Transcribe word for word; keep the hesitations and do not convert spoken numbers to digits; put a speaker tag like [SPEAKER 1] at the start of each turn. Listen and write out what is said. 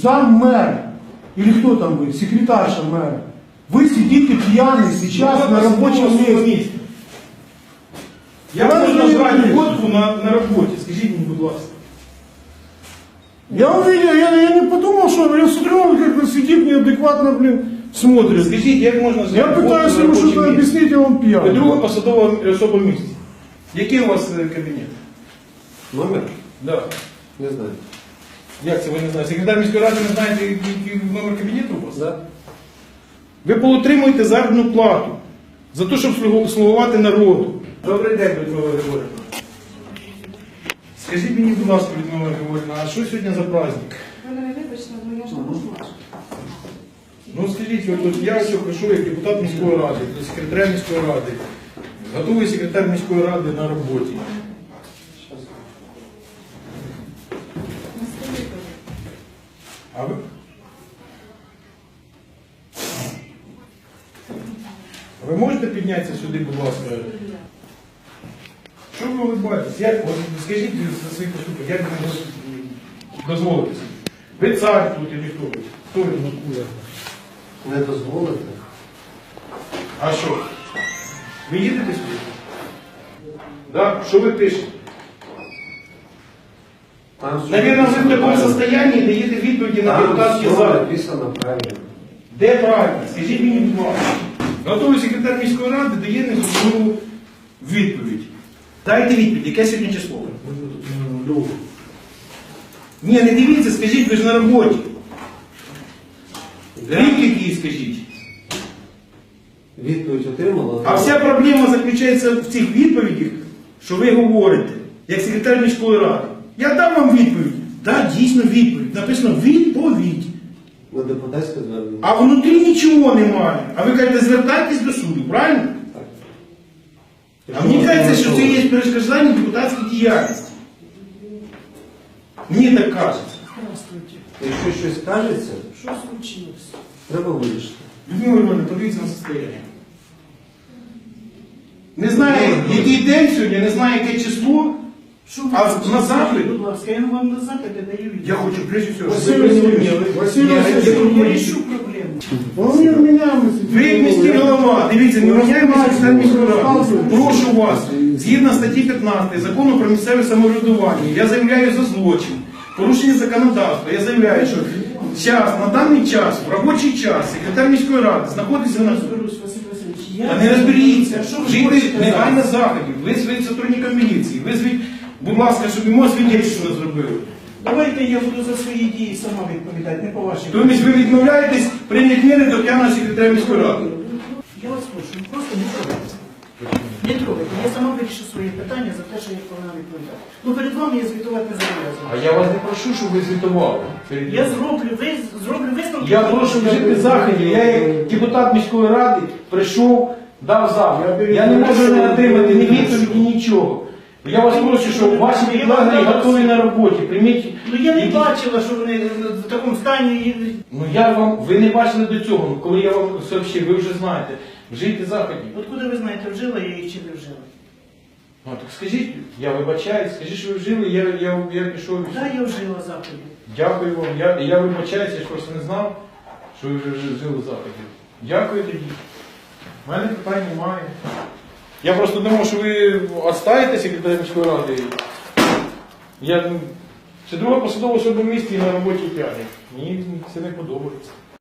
[SPEAKER 1] зам мэра, или кто там вы, секретарша мэра, вы сидите пьяный сейчас на рабочем месте.
[SPEAKER 2] Я можу назвати водку на, на роботі, скажіть мені, будь ласка.
[SPEAKER 1] Я увидел, я, я не подумал, что я смотрю, он как-то сидит неадекватно, блин, смотрит.
[SPEAKER 2] Скажіть, як можна
[SPEAKER 1] Я
[SPEAKER 2] назвати
[SPEAKER 1] пытаюсь
[SPEAKER 2] водку на
[SPEAKER 1] ему что-то
[SPEAKER 2] робочому місці?
[SPEAKER 1] объяснить, а он
[SPEAKER 2] Ви
[SPEAKER 1] пьяный.
[SPEAKER 2] друга посадова особа в місті. Який у вас е, кабінет?
[SPEAKER 3] Номер?
[SPEAKER 2] Да.
[SPEAKER 3] Не знаю.
[SPEAKER 2] Як це ви не знаєте? Секретар міської ради не знаєте, який номер кабінету у вас?
[SPEAKER 3] Да?
[SPEAKER 2] Ви поотримуєте заробітну плату за те, щоб слугу- слугувати народу. Добрий день, Людмила Григорівна. Скажіть мені, будь ласка, Людмила Григорівна, а що сьогодні за праздник?
[SPEAKER 4] Ви мене вибачте, але я ж не можу вашу.
[SPEAKER 2] Ну скажіть, от, от я ось прийшов як депутат міської ради, секретар міської ради, готовий секретар міської ради на роботі. А ви? А ви можете піднятися сюди, будь ласка? Що ви улыбаєтесь? Як, от, скажіть за свої поступки, як ви можете дозволити собі? Ви цар тут і хто ви? Хто ви?
[SPEAKER 3] Не дозволити.
[SPEAKER 2] А що? Ви їдете сюди? Да? Що ви пишете?
[SPEAKER 3] Там
[SPEAKER 2] Навірно, ви в такому состоянии даєте відповіді на
[SPEAKER 3] Там
[SPEAKER 2] депутатські
[SPEAKER 3] все
[SPEAKER 2] запити.
[SPEAKER 3] написано правильно.
[SPEAKER 2] Де правильно? Скажіть мені, будь ласка. Готовий секретар міської ради дає незрозумілу відповідь. Дайте відповідь, яке сьогодні число?
[SPEAKER 3] Ну,
[SPEAKER 2] Ні, не дивіться, скажіть, ви ж на роботі. Рік який, скажіть.
[SPEAKER 3] відповідь отримала.
[SPEAKER 2] А вся проблема заключається в цих відповідях, що ви говорите, як секретар міської ради. Я дам вам відповідь. Так, дійсно відповідь. Написано відповідь.
[SPEAKER 3] На депутатське звернення.
[SPEAKER 2] А внутрі нічого немає. А ви кажете, звертайтесь до суду, правильно? А мені кажеться, що це є перешкоджання депутатській діяльності. Мені так кажеться.
[SPEAKER 4] Здравствуйте.
[SPEAKER 3] Якщо щось кажеться,
[SPEAKER 4] Що случилось?
[SPEAKER 3] треба вирішити.
[SPEAKER 2] Людмила Івановна, подивіться на состояння. Не знаю, який день сьогодні, не знаю, яке число.
[SPEAKER 4] Що ви
[SPEAKER 2] А
[SPEAKER 4] хочете?
[SPEAKER 2] на запит?
[SPEAKER 4] Будь ласка, я вам на запити даю відповідь.
[SPEAKER 2] Я хочу, прежде всего,
[SPEAKER 1] Василий
[SPEAKER 2] щоб ви
[SPEAKER 1] Васильевич,
[SPEAKER 2] розуміли.
[SPEAKER 1] Василий
[SPEAKER 2] Я- я
[SPEAKER 1] Васильевич,
[SPEAKER 2] думаю,
[SPEAKER 4] Я рішу проблему.
[SPEAKER 1] Он не у меня мы
[SPEAKER 2] Ви як міський голова, дивіться, не міняємо секретар міської ради. Прошу вас, згідно статті п'ятнадцятої закону про місцеве самоврядування, я заявляю за злочин, порушення законодавства. Я заявляю, що час, на даний час, в робочий час, секретар міської ради знаходиться на
[SPEAKER 4] Розберусь, Василь Васильович. Я...
[SPEAKER 2] Та не розберіться,
[SPEAKER 4] Що ви
[SPEAKER 2] вжити
[SPEAKER 4] хочете
[SPEAKER 2] негайно
[SPEAKER 4] зараз?
[SPEAKER 2] заходів, визвіть сотрудника міліції, визвіть, будь ласка, щоб йому свідчення зробили.
[SPEAKER 4] Давайте я буду за свої дії сама відповідати, не по вашій.
[SPEAKER 2] Тобто ви відмовляєтесь прийняти міри до п'яного секретаря міської ради.
[SPEAKER 4] Я вас прошу, ну, просто не трогайте. Не трогайте. Я сама вирішу свої питання за те, що я повинна відповідати. Ну перед вами я звітувати не зобов'язана.
[SPEAKER 2] А я вас не прошу, щоб ви звітували.
[SPEAKER 4] Я зроблю, ви зроблю висновки.
[SPEAKER 2] Я прошу вжити заходів. Я як депутат міської ради прийшов, дав запит. Я не можу не отримати ні відповіді, нічого. Я вас прошу, щоб ваші підлеглі готові на роботі. Прийміть.
[SPEAKER 4] Ну я не
[SPEAKER 2] які-
[SPEAKER 4] бачила, що вони в такому стані.
[SPEAKER 2] Ну я вам, ви не бачили до цього. Ну, коли я вам сообщив, ви вже знаєте. Вжийте заходів.
[SPEAKER 4] Откуда ви знаєте, вжила я їх чи не вжила?
[SPEAKER 2] Ну так скажіть, я вибачаюсь, скажіть, що ви вжили, я, я, я пішов. і все.
[SPEAKER 4] Так, я вжила заходів.
[SPEAKER 2] Дякую вам. Я, я вибачаюся, я ж просто не знав, що ви вже жили заходів. Дякую тоді. У мене питань немає. Я просто думав, що ви відстаєте секретаря міської ради. Я, ну, це друга посадова особа в місті і на роботі п'яний. Мені це не подобається.